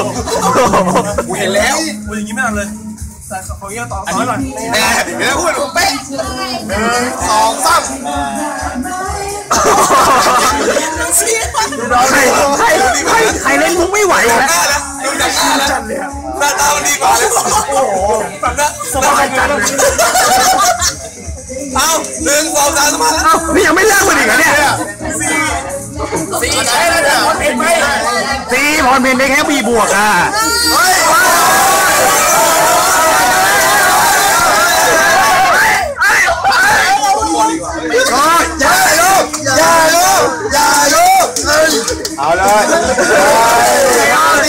กูเห็นแล้วกูอย่างนี้ไม่ทันเลยแต่ขอเงี้ยต่อซ้อนหน่อยแหมเดี๋ยวพูดเป๊ะ1 2 3 ใครเล่นมุกไม่ไหวนะดูจากหน้าแล้วหน้าตามันดีกว่าเลยโอ้โหแบบนั้นสบายจังเอา1 2 3มาแล้วนี่ยังไม่เลิกมันอีกเหรอเนี่ย 4ใช่แล้วเนี่ยพรเพนไหม 4พรเพนได้แค่B บวกอ่ะอย่าลูกเอาเลย